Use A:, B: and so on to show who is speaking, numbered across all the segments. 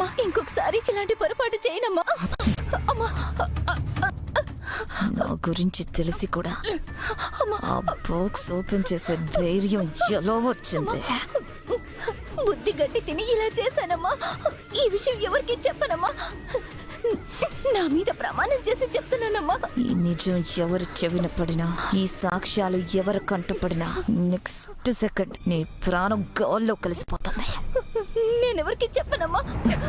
A: అమ్మా ఇంకొకసారి ఇలాంటి పొరపాటు చేయనమ్మా. అమ్మా
B: నా గురించి తెలిసి కూడా ఆ బాక్స్ ఓపెన్ చేసే ధైర్యం ఎలా వచ్చింది?
A: బుద్ధి గడ్డి తిని ఇలా చేశానమ్మా. ఈ విషయం ఎవరికి చెప్పనమ్మా. నా మీద ప్రమాణం చేసి చెప్తున్నానమ్మా.
B: ఈ నిజం ఎవరు చెవిన పడినా, ఈ సాక్ష్యాలు ఎవరు కంటపడినా నెక్స్ట్ సెకండ్ నీ ప్రాణం గాల్లో కలిసిపోతుంది.
A: నేనెవరికి చెప్పనమ్మా.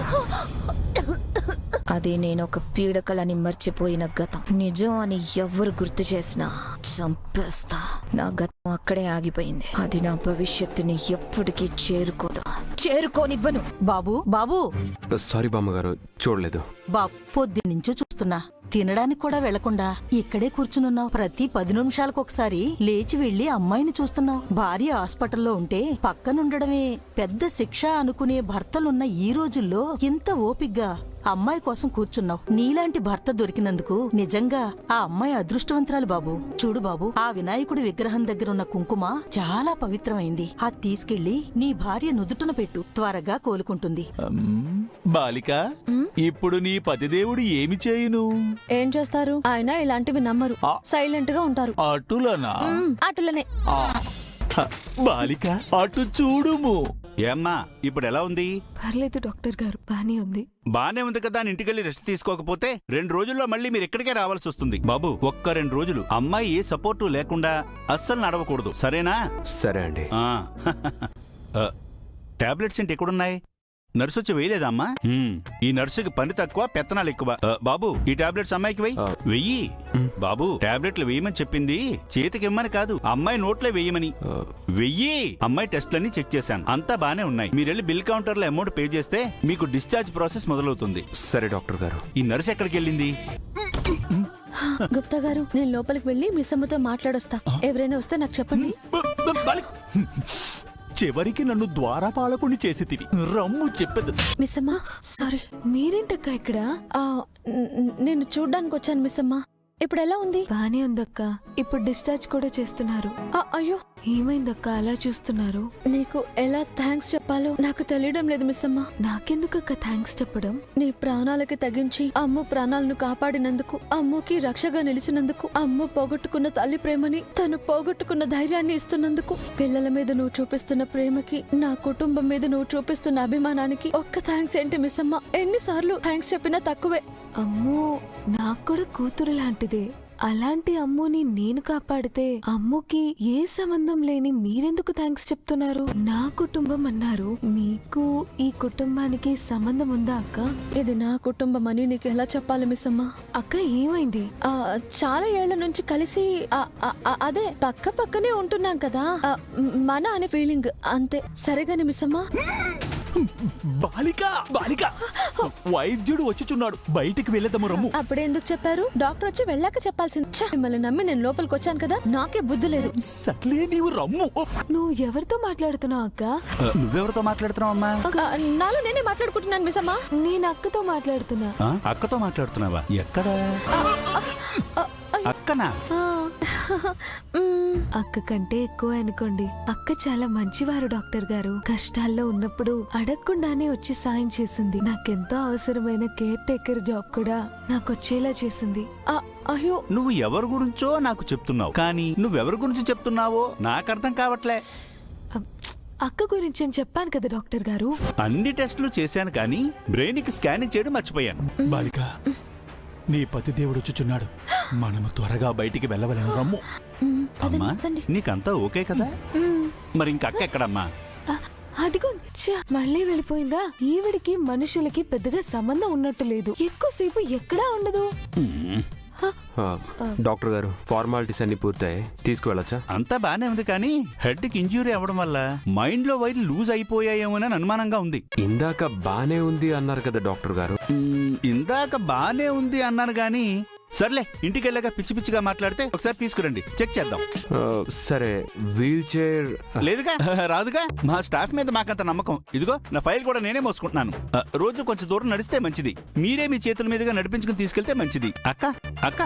B: అది నేను ఒక పీడకలని మర్చిపోయిన గతం. నిజం అని ఎవరు గుర్తు చేసినా చంపేస్తా. నా గతం అక్కడే ఆగిపోయింది. అది నా భవిష్యత్తుని ఎప్పటికీ చేరుకోనివ్వను.
C: బాబు బాబు
D: సారీ బామ్మగారు, చూడలేదు.
C: బాబు పొద్దున్నుంచో చూస్తున్నా, తినడానికి కూడా వెళ్లకుండా ఇక్కడే కూర్చునున్నావు. ప్రతి 10 నిమిషాలకు ఒకసారి లేచి వెళ్లి అమ్మాయిని చూస్తున్నావు. భార్య హాస్పిటల్లో ఉంటే పక్కనుండడమే పెద్ద శిక్ష అనుకునే భర్తలున్న ఈ రోజుల్లో ఇంత ఓపిగ్గా అమ్మాయి కోసం కూర్చున్నావు. నీలాంటి భర్త దొరికినందుకు నిజంగా ఆ అమ్మాయి అదృష్టవంతురాలు బాబు. చూడు బాబు, ఆ వినాయకుడి విగ్రహం దగ్గరున్న కుంకుమ చాలా పవిత్రమైంది. అది తీసుకెళ్లి నీ భార్య నుదుటన పెట్టు, త్వరగా కోలుకుంటుంది.
E: బాలిక, ఇప్పుడు నీ పతిదేవుడు ఏమి చేయును?
A: ఏం చేస్తారు? ఆయన ఇలాంటివి నమ్మరు, సైలెంట్ గా ఉంటారు.
E: అటులనా?
A: అటులనే.
E: బాలిక, అటు చూడుము. ఏమ్మా, ఇప్పుడు ఎలా ఉంది?
A: పర్లేదు డాక్టర్ గారు, బానే ఉంది.
E: బానే ఉంది కదా అని ఇంటికెళ్ళి రెస్ట్ తీసుకోకపోతే 2 రోజుల్లో మళ్ళీ మీరు ఇక్కడికే రావాల్సి వస్తుంది. బాబు, ఒక్క 2 రోజులు అమ్మాయి ఏ సపోర్టు లేకుండా అస్సలు నడవకూడదు, సరేనా?
D: సరే అండి.
E: టాబ్లెట్స్ ఏంటి ఎక్కడున్నాయి? నర్సు వచ్చి వేయలేదా అమ్మా? ఈ నర్సుకి పని తక్కువ, పెత్తనాలు ఎక్కువ. బాబు, ఈ టాబ్లెట్స్ అమ్మాయికి వెయ్యి. బాబు, టాబ్లెట్లు వేయమని చెప్పింది చేతికి ఇమ్మని కాదు, అమ్మాయి నోట్లో వేయమని. వెయ్యి. అమ్మాయి టెస్ట్లన్నీ చెక్ చేశాను, అంతా బానే ఉన్నాయి. మీరెళ్ళి బిల్ కౌంటర్ లో అమౌంట్ పే చేస్తే మీకు డిశ్చార్జ్ ప్రాసెస్ మొదలవుతుంది.
D: సరే డాక్టర్ గారు.
E: ఈ నర్సు ఎక్కడికి వెళ్ళింది?
A: గుప్తా గారు, నేను లోపలికి వెళ్ళి మిస్ అమ్మతో మాట్లాడొస్తా. ఎవరైనా వస్తే నాకు చెప్పండి.
E: చివరికి నన్ను ద్వారపాలకుని చేసితివి. రమ్ము చెప్పదు.
A: మిస్ అమ్మా, సారీ. మీరేంటక్క ఇక్కడ? నేను చూడ్డానికి వచ్చాను మిస్ అమ్మా. ఇప్పుడు ఎలా ఉంది? బానే ఉందక్క. ఇప్పుడు డిశ్చార్జ్ కూడా చేస్తున్నారు. అయ్యో, ఏమైందక్క అలా చూస్తున్నారు? నీకు ఎలా థ్యాంక్స్ చెప్పాలో నాకు తెలియడం లేదు మిస్ అమ్మా. నాకెందుకక్క థ్యాంక్స్ చెప్పడం? నీ ప్రాణాలకి తగ్గించి అమ్ము ప్రాణాలను కాపాడినందుకు, అమ్ముకి రక్షగా నిలిచినందుకు, అమ్ము పోగొట్టుకున్న తల్లి ప్రేమని తను పోగొట్టుకున్న ధైర్యాన్ని ఇస్తున్నందుకు, పిల్లల మీద నువ్వు చూపిస్తున్న ప్రేమకి, నా కుటుంబం మీద నువ్వు చూపిస్తున్న అభిమానానికి ఒక్క థ్యాంక్స్ ఏంటి మిస్ అమ్మా? ఎన్నిసార్లు థ్యాంక్స్ చెప్పినా తక్కువే. అమ్మో, నాకు కూడా కూతురు లాంటిదే. అలాంటి అమ్ముని నేను కాపాడితే అమ్ముకి ఏ సంబంధం లేని మీరెందుకు థ్యాంక్స్ చెప్తున్నారు? నా కుటుంబం అన్నారు, మీకు ఈ కుటుంబానికి సంబంధం ఉందా అక్క? ఇది నా కుటుంబం అని నీకు ఎలా చెప్పాలి మిస్ అమ్మా? అక్క ఏమైంది? చాలా ఏళ్ల నుంచి కలిసి అదే పక్క పక్కనే ఉంటున్నాం కదా, మన అనే ఫీలింగ్ అంతే. సరేగాని మిస్ అమ్మా.
E: బాలిక, బాలిక, వైద్యుడు వచ్చుచున్నాడు, బయటికి వెళ్ళేదము. రమ్ము.
A: అప్పుడెందుకు చెప్పారు? డాక్టర్ వచ్చి వెళ్ళాక చెప్పాల్సింది. మిమ్మల్ని నమ్మి నేను లోపలికి వచ్చాను కదా, నాకే బుద్ధి లేదు.
E: సర్లే, నీవు రమ్ము.
A: నువ్వు ఎవరితో మాట్లాడుతున్నావు అక్క?
E: నువ్వెవరితో మాట్లాడుతున్నావు అమ్మా?
A: నాలో నేనే మాట్లాడుకుంటున్నాను మిస్ అమ్మా. నేను అక్కతో మాట్లాడుతున్నా.
E: అక్కతో మాట్లాడుతున్నావా? ఎక్కడా? అక్కనా?
A: అక్క కంటే ఎక్కువ అనుకోండి. అక్క చాలా మంచివారు డాక్టర్ గారు. కష్టాల్లో ఉన్నప్పుడు అడగకుండానే వచ్చి సాయం చేసింది. నాకెంతో అవసరమైన కేర్ టేకర్ జాబ్ కూడా నాకు వచ్చేలా చేసింది. అయ్యో,
E: నువ్వు ఎవరి గురించో నాకు చెప్తున్నావు, కానీ నువ్వెవరి గురించి చెప్తున్నావో నాకు అర్థం కావట్లే.
A: అక్క గురించి అని చెప్పాను కదా డాక్టర్ గారు.
E: అన్ని టెస్టులు చేశాను, కానీ బ్రెయిన్ కి స్కానింగ్ చేయడం మర్చిపోయాను. బాలిక, నీ పతి దేవుడు వచ్చుచున్నాడు, మనము త్వరగా బయటికి వెళ్ళవలను. రమ్ము. అమ్మా, నీకంతా ఓకే కదా? మరి ఇంక అక్క ఎక్కడమ్మా?
A: అదిగో మళ్ళీ వెళ్ళిపోయిందా? ఈవిడికి మనుషులకి పెద్దగా సంబంధం ఉన్నట్టు లేదు. ఎక్కువసేపు ఎక్కడా ఉండదు.
D: డాక్టర్ గారు, ఫార్మాలిటీస్ అన్ని పూర్తయి తీసుకువెళ్ళొచ్చా?
E: అంతా బానే ఉంది, కానీ హెడ్ కి ఇంజ్యూరీ అవ్వడం వల్ల మైండ్ లో వైర్లు లూజ్ అయిపోయాయేమోనని అనుమానంగా ఉంది.
D: ఇందాక బానే ఉంది అన్నారు కదా డాక్టర్ గారు?
E: ఇందాక బానే ఉంది అన్నాను, గాని సర్లే, ఇంటికి వెళ్ళాక పిచ్చి పిచ్చిగా మాట్లాడితే ఒకసారి తీసుకురండి, చెక్ చేద్దాం.
D: సరే, వీల్ చైర్
E: లేదుగా, రాదుగా. మా స్టాఫ్ మీద మాకంత నమ్మకం. ఇదిగో నా ఫైల్ కూడా నేనే మోసుకుంటున్నాను. రోజు కొంచెం దూరం నడిస్తే మంచిది. మీరే మీ చేతుల మీదుగా నడిపించుకుని తీసుకెళ్తే మంచిది. అక్క, అక్క,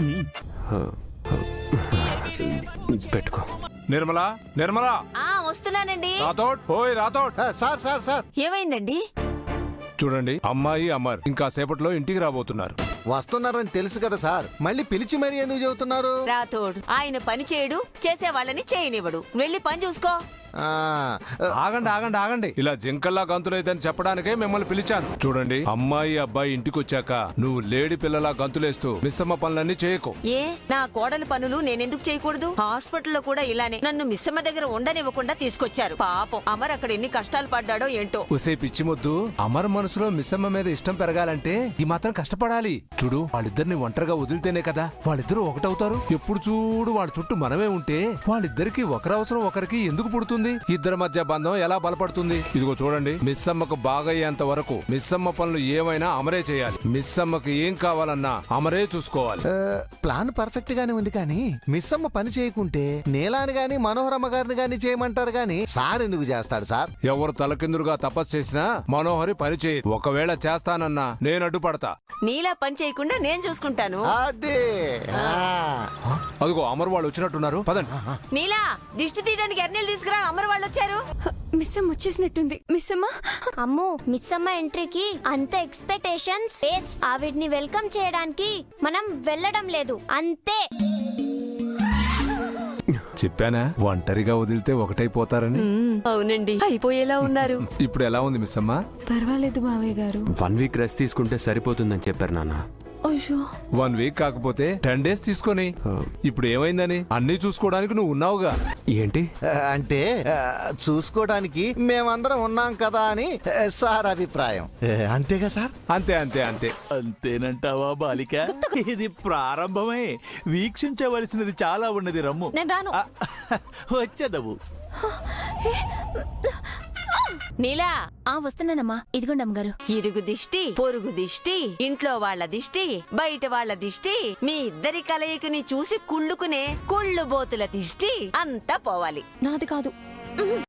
D: పెట్టుకో.
F: నిర్మలా, నిర్మలా,
G: వస్తున్నానండి.
F: రాథోడ్, ఓయ్ రాథోడ్.
H: సార్ సార్ సార్,
G: ఏమైందండి?
F: చూడండి, అమ్మాయి అమర్ ఇంకా సేపట్లో ఇంటికి రాబోతున్నారు.
G: వస్తున్నారని తెలుసు కదా సార్, మళ్ళీ పిలిచి మరీ ఎందుకు చెబుతున్నారు?
H: రాతోడు ఆయన పని చేయడు, చేసే వాళ్ళని చేయనివ్వడు. వెళ్ళి పని చూసుకో.
G: ఆ,
F: ఆగండి ఆగండి ఆగండి, ఇలా జింకల్లా గంతులేదని చెప్పడానికే మిమ్మల్ని పిలిచాను. చూడండి, అమ్మాయి అబ్బాయి ఇంటికి వచ్చాక నువ్వు లేడి పిల్లలా గంతులేస్తూ మిస్సమ్మ పనులన్నీ చేయకు.
H: ఏ నా కోడలి పనులు నేనెందుకు చేయకూడదు? హాస్పిటల్లో కూడా ఇలానే నన్ను మిస్సమ్మ దగ్గర ఉండనివ్వకుండా తీసుకొచ్చారు. పాపం అమర్ అక్కడ ఎన్ని కష్టాలు పడ్డాడో ఏంటో.
F: ఉసే పిచ్చి ముద్దు, అమర్ మనసులో మిస్సమ్మ మీద ఇష్టం పెరగాలంటే ఈ మాత్రం కష్టపడాలి. చూడు, వాళ్ళిద్దరిని ఒంటరిగా వదిలితేనే కదా వాళ్ళిద్దరూ ఒకటవుతారు. ఎప్పుడు చూడు వాళ్ళ చుట్టూ మనమే ఉంటే వాళ్ళిద్దరికి ఒకరవసరం ఒకరికి ఎందుకు పుడుతుంది? ఇద్దరి మధ్య బంధం ఎలా బలపడుతుంది? ఇదిగో చూడండి, మిస్సమ్మకు బాగయ్యేంత వరకు మిస్సమ్మ పనులు ఏమైనా అమరే చేయాలి. మిస్సమ్మకి ఏం కావాలన్నా అమరే చూసుకోవాలి.
G: ప్లాన్ పర్ఫెక్ట్ గానే ఉంది కానీ మిస్ అమ్మ పని చేయకుంటే నీలాని గాని మనోహరమ్మ గారిని గాని చేయమంటారు గాని సార్ ఎందుకు చేస్తాడు సార్?
F: ఎవరు తలకిందులుగా తపస్సు చేసినా మనోహరి పని చేయదు. ఒకవేళ చేస్తానన్నా నేను అడ్డుపడతా.
H: నీలా పని చేయకుండా నేను చూసుకుంటాను.
G: అదే
F: అదిగో అమర్ వాళ్ళు వచ్చినట్టున్నారు, పదండి.
H: నీలా దిష్టి తీయడానికి ఎర్నీళ్ళు తీసుకురా, అమర్ వాళ్ళు వచ్చారు.
A: మిస్సమ్మ వచ్చేసినట్టుంది. మిస్సమ్మ,
I: అమ్మో మిస్ అమ్మ ఎంట్రీకి అంత ఎక్స్పెక్టేషన్స్ వేస్ట్. ఆవిడ్ని వెల్కమ్ చేయడానికి మనం వెళ్ళడం లేదు, అంతే.
F: చెప్పానా ఒంటరిగా వదిలితే ఒకటైపోతారని?
H: అవునండి, అయిపోయేలా ఉన్నారు.
F: ఇప్పుడు ఎలా ఉంది మిస్సమ్మ?
A: పర్వాలేదు మావయ్య గారు.
D: 1 వీక్ రెస్ట్ తీసుకుంటే సరిపోతుందని చెప్పారు నాన్న.
A: అయ్యో,
F: 1 వీక్ కాకపోతే 10 డేస్ తీసుకొని. ఇప్పుడు ఏమైందని? అన్నీ చూసుకోవడానికి నువ్వు ఉన్నావుగా.
D: ఏంటి?
G: అంటే చూసుకోవడానికి మేమందరం ఉన్నాం కదా అని సార్ అభిప్రాయం. అంతేగా సార్?
F: అంతే అంతే అంతే.
E: అంతేనంటావా బాలిక? ఇది ప్రారంభమే, వీక్షించవలసినది చాలా ఉన్నది. రమ్ము,
A: నేను రాను.
E: వచ్చేదవు.
H: నీలా
I: వస్తున్నానమ్మా. ఇదిగోండి అమ్మగారు.
H: ఇరుగు దిష్టి, పొరుగు దిష్టి, ఇంట్లో వాళ్ళ దిష్టి, బయట వాళ్ళ దిష్టి, మీ ఇద్దరి కలయికని చూసి కుళ్ళుకునే కుళ్ళుబోతుల దిష్టి అంతా పోవాలి.
A: నాది కాదు.